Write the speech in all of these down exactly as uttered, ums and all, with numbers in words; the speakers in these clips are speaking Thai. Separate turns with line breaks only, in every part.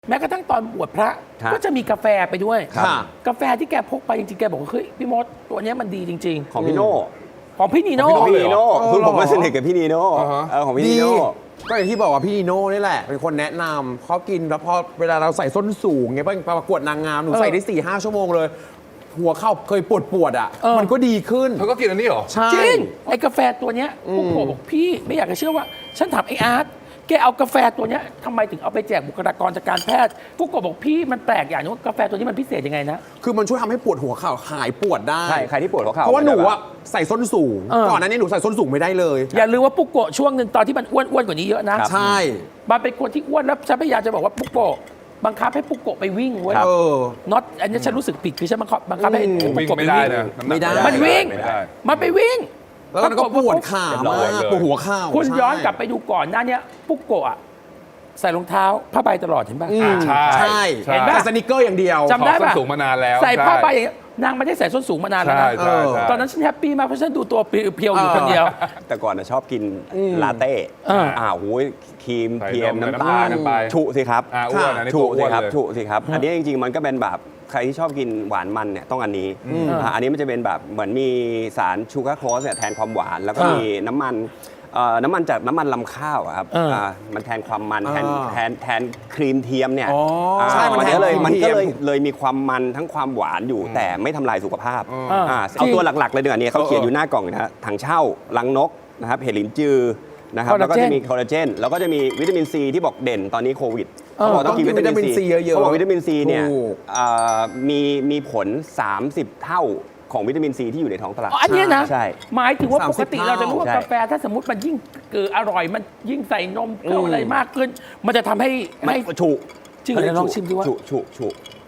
แม้กระทั่งตอนบวชพระก็จะมีกาแฟไปด้วยกาแฟที่แกพกไปจริงๆแกบอกว่าเฮ้ยพี่มดตัวนี้มันดีจริงๆ
ของพี่โน่
ของพี่นีโน่
ของพี่นีโน่คือผมมาสนิทกับพี่นีโน่เออของพี่นีโน่
ก็อย่างที่บอกว่าพี่นีโน่นี่แหละเป็นคนแนะนำเขากินแล้วพอเวลาเราใส่ส้นสูงไงไปประกวดนางงามหนูใส่ได้สี่ห้าชั่วโมงเลยหัวเข้าเคยปวดปวดอ่ะมันก็ดีขึ้น
เธอก็กินอันนี้เหรอ
จริงไอ้กาแฟตัวเนี้ยปุ๊กโกบอกพี่ไม่อยากจะเชื่อว่าฉันถามไอ้อาร์ตแกเอากาแฟตัวนี้ทำไมถึงเอาไปแจกบุคลากรจากการแพทย์ปุ๊กโกบอกพี่มันแปลกอย่างนึงว่ากาแฟตัวนี้มันพิเศษยังไงนะ
คือมันช่วยทำให้ปวดหัวเข่าหายปวดได้
ใช่ใครที่ปวดหัวเข่า
เพราะว่าหนูอะใส่ส้นสูงก่อนนั้นนี่หนูใส่ส้นสูงไม่ได้เลย
อย่าลืมว่าปุ๊กโกช่วงหนึ่งตอนที่มันอ้วนๆกว่านี้เยอะนะ
ใช่
มันเป็นคนที่อ้วนแล้วฉันพยายามจะบอกว่าปุ๊กโกบังคับให้ปุ๊กโกไปวิ่งเว้ยน็อตอันนี้ฉันรู้สึกผิดคือฉันบังคับบังคับให้ปุ๊กโกไปวิ่ง
ไม่ได้
มันวิ่งมันไปวิ่ง
แล้วก็ปวดขามากปวดหัวเข่า
คุณย้อนกลับไปดูก่อนหน้านี้ปุ๊กโกะใส่รองเท้าผ้าใบตลอดเห็นป่ะ
ใช่
ใช่เห็นป่ะสนิเกอร์อย่างเดียว
จำได้ป่ะ
ส้นสูงมานานแล้ว
ใส่ผ้าใบอย่างนางไม่ได้ใส่ส้นสูงมานานแล้วนะตอนนั้นฉันแฮปปี้มากเพราะฉันดูตัวเพียวอยู่คนเดียว
แต่ก่อนชอบกินลาเต้อ่าโอ้ยครีมเทียมน้ำตาลฉุสิครับฉุสิครับฉุสิครับอันนี้จริงๆมันก็เป็นแบบใครที่ชอบกินหวานมันเนี่ยต้องอันนี้อันนี้มันจะเป็นแบบเหมือนมีสารชูการ์โคสเนี่ยแทนความหวานแล้วก็มีน้ำมันน้ำมันจากน้ำมันลำข้าวครับมันแทนความมันแทนแทนแทนครีมเทียมเนี่ย
ใช่
มันก็เลยมันก็เลยเลยมีความมันทั้งความหวานอยู่แต่ไม่ทำลายสุขภาพเอาตัวหลักๆเลยดีกว่านี้เขาเขียนอยู่หน้ากล่องนะฮะถังเช่าลังนกนะครับเห็ดหลินจือนะครับแล้วก็จะมีคอลลาเจนแล้วก็จะมีวิตามินซีที่บอกเด่นตอนนี้โควิดเขาบอกต้องกินวิตามินซีเยอะๆเขาบอกวิตามินซีเนี่ยมีมีผลสามสิบเท่าของวิตามินซีที่อยู่ในท้องตลาด
อันนี้นะ
ใช่
หมายถึงว่าปกติเราจะรู้ว่ากาแฟถ้าสมมติมันยิ่งเกิดอร่อยมันยิ่งใส่นมเกลืออะไรมากขึ้นมันจะทำให้
ไม่ฉุ
จริงเลยลองชิมดูว่า
ฉุฉุฉุ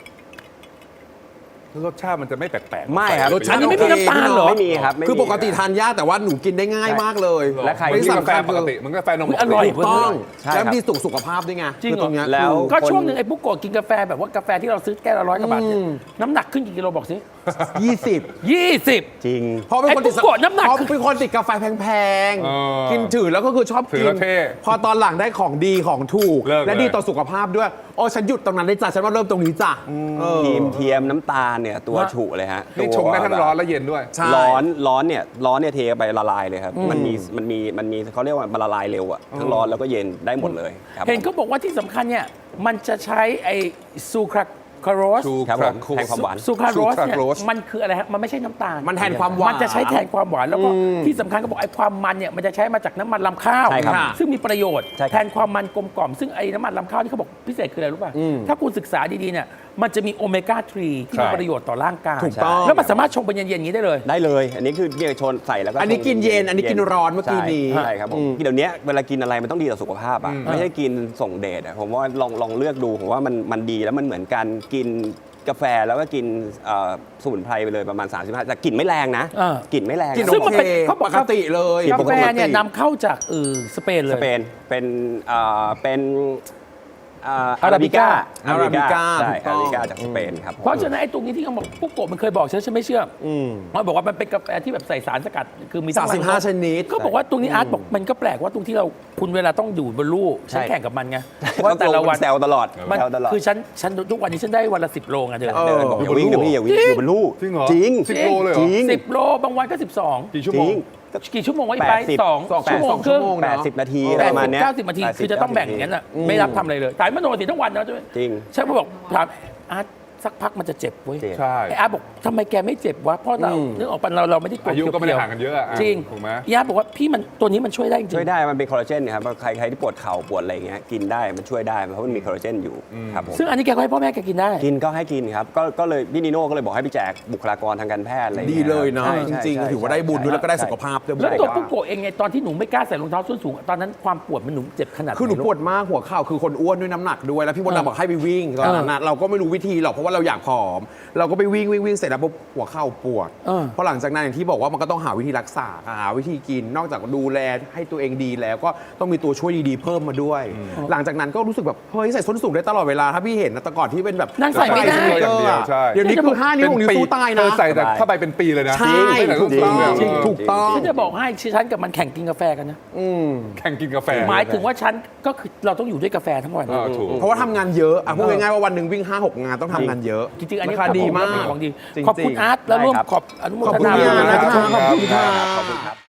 รสชาติมันจะไม่แปลก
ๆไม่ครับ
รสชาตินี้ไม่มีน้ำตาลเหรอ
ไม่มีครับ
คือปกติทานยากแต่ว่าหนูกินได้ง่ายมากเลย
และใครที่กาแฟปกติมันกาแฟนม
อร่อย
ต้องแล้วดีสุขภาพด้วยไง
จริงเหรอแล้วก็ช่วงหนึ่งไอ้ปุ๊กโกกินกาแฟแบบว่ากาแฟที่เราซื้อแก้วละร้อยกว่าบาทน้ำหนักขึ้นกี่กิโลบอกสิ
ยี่สิบ
ยี่สิบ
จริง
เพราะเป็นคนติด
น้ำหนัก
เพราะเป็นคนติดกาแฟแพงๆกินถือแล้วก็คือชอบกินพอตอนหลังได้ของดีของถูกและดีต่อสุขภาพด้วยโอ้ฉันหยุดตรงนั้นได้จ้ะฉันว่าเริ่มตรงนี้จ้ะ
ครีมเทียมน้ำตาลเนี่ยตัวฉุเลยฮะ
นี่ชงได้ทั้งร้อนและเย็นด้วย
ร้อนร้อนเนี่ยร้อนเนี่ยเทไปละลายเลยครับมันมีมันมีมันมีเขาเรียกว่ามันละลายเร็วอะทั้งร้อนแล้วก็เย็นได้หมดเลย
เห็นเขาบอกว่าที่สำคัญเนี่ยมันจะใช้ไอซูคราคาโรส
ครับผมแทนความหวาน
ซูคราโรสเนี่ยมันคืออะไรฮะมันไม่ใช่น้ำตาล
มันแทนความหวาน
มันจะใช้แทนความหวานแล้วก็ที่สำคัญก็บอกไอ้ความมันเนี่ยมันจะใช้มาจากน้ำมันลำข้าวซึ่งมีประโยชน์แทนความมันกลมกล่อมซึ่งไอ้น้ำมันลำข้าวที่เขาบอกพิเศษคืออะไรรู้ป่ะถ้าคุณศึกษาดีๆเนี่ยมันจะมีโอเมก้าสามที่มีประโยชน์ต่อร่างกาย
ถูกต้อง
แล้วมันสามารถชงเป็นเย็นๆอย่างนี้ได้เลย
ได้เลยอันนี้คือเนี่ยชนใส่แล้วก็
อันนี้กินเย็นอันนี้กินร้อนเมื่อกี้นี้
ใช่ครับผมเดี๋ยวนี้เวลากินอะไรมันต้องดีต่อสุขภาพอ่ะไม่ใช่กินส่งเดชอ่ะผมว่าลองลองเลือกดูผมว่ามันมันดีแล้วมันเหมือนการกินกาแฟแล้วก็กินสมุนไพรไปเลยประมาณสามสิบห้าแต่กลิ่นไม่แรงนะกลิ่นไม่แรง
ซึ่งมันเป็นเขาปกติเลย
กาแฟเนี่ยนำเข้าจากเออสเปนเลย
สเปนเป็นเป็นอาราบิก้า
อาราบิก้า
ใช่อาราบิก้าจากสเปนครับ
เพราะฉะนั้นไอ้ตรงนี้ที่เขาบอกปุ๊กโกมันเคยบอกฉันฉันไม่เชื่อมันบอกว่ามันเป็นกาแฟที่แบบใส่สารสกัดคือมี
สามสิบห้าชนิด
ก็บอกว่าตรงนี้อาร์ตบอกมันก็แปลกว่าตรงที่เราคุณเวลาต้องอยู่บนลู่ฉันแข่งกับมันไงว่าแต่ละวัน
แซวตลอด
มันคือฉันฉันทุกวันนี้ฉันได้วันละสิบโลไงเธอ
เดินบอกอย่าวิ่งนะพี่อย่าวิ่งอยู่บนลู่
จริงเหรอ
จริง
สิบโลเลยเหรอ
สิบโลบางวันก็สิบสอง
กี่ชั่วโมง
กี่ชั่วโมงวะอีไปสองชั่วโมงครึ่ง
แปดสิบนาที
แป
ประมาณนี้
เก้าสิบนาทีคือจะต้องแบ่งอย่างนั้นอ่ะไม่รับทำอะไรเลยถ่ายมโนสิทั้งวันนะ
จริง
ฉันก็บอกถามอาร์ตสักพักมันจะเจ็บเว้ย
ใช่
ไอ้อาร์ตบอกทำไมแกไม่เจ็บวะเพราะเราเนื้อออกปันเราเราไม่ได้
อายุก็ไม่ได้ห่างกันเยอะ
จริง
ถูกไหม
อาร์ตบอกว่าพี่มันตัวนี้มันช่วยได้จริง
ช่วยได้มันเป็นคอลลาเจนครับใครใครที่ปวดเข่าปวดอะไรเงี้ยกินได้มันช่วยได้เพราะมันมีคอลลาเจนอยู่ครับผม
ซึ่งอันนี้แกก็ให้พ่อแม่แกกินได้
กินก็ให้กินครับก็ก็เลยพี่นิโน่ก็เลยบอกให้ไปแจกบุคลากรทางการแพทย์อะไร
ดีเลยเนาะจริงๆถือว่าได้บุญด้วยแล้วก็ได้สุขภาพด้วย
แล้วตัวปุ๊กโกเองไงตอนที่หนูไม่กล้าใส่รองเท้าส้นสูงตอนนั้นความปวดมันหนูเจ็บขนาด
คือหนูปวดมากหัวเข่าคือคนอ้วนด้วยน้ำหนักด้วยแล้วพี่มดดำบอกให้ไปวิ่งตอนนั้นเราก็ไม่รู้วิธีหรอกเพราะว่าเราอยากผอม เราก็ไปวิ่งวิ่งวิ่งเสร็จแล้วปุ๊บหัวเข่าปวด
เออ
เพราะหลังจากนั้นอย่างที่บอกว่ามันก็ต้องหาวิธีรักษาหาวิธีกิน นอกจากดูแลให้ตัวเองดีแล้วก็ต้องมีตัวช่วยดีๆเพิ่มมาด้วย หลังจากนั้นก็รู้สึกแบบเฮ้ยใส่ส้นสูงได้ตลอดเวลาถ้าพี่เห็นนะแต่ก่อนที่เป็นแบบ
นั่งใส่ไม่ได้
สเกอร์อะ
ใช่
เดี๋ยวนี้คือห้านิ้วหกนิ้วสู้ตาย
เธ
นะ
อใส่แต่เข้าไปเป็นปีเลยนะ
ใช่
ไม่แต่
ถู
ลู
ก
ก
ต้อง
เนี่ย
จริงถูกต้อง
ฉันจะบอกให้ฉันกับมันแข่งกินกาแฟกันนะ
อืม
แข่งกินกาแฟ
หมายถึงว่าฉันก็คือเราต้องอยู่ด้วยกาแฟทั้งวัน
เออถูก
เพราะว่าทำงานเยอะอ่ะพูดง่ายๆว่าวันหนึ่งวิ่งห้าหกงานต้องทำงานเยอะ
จริงๆอันนี้
ราคาดีมาก
ของดี
จริงๆ
ขอบคุณอาร์ตแล้วร่วมขอบอนุโม
ขอบ
ท
คุณ
นา
พี่อาร์ต
บุญ
นะครับ
ขอบคุณ
ขอบคุณครับ
ขอบคุณครับ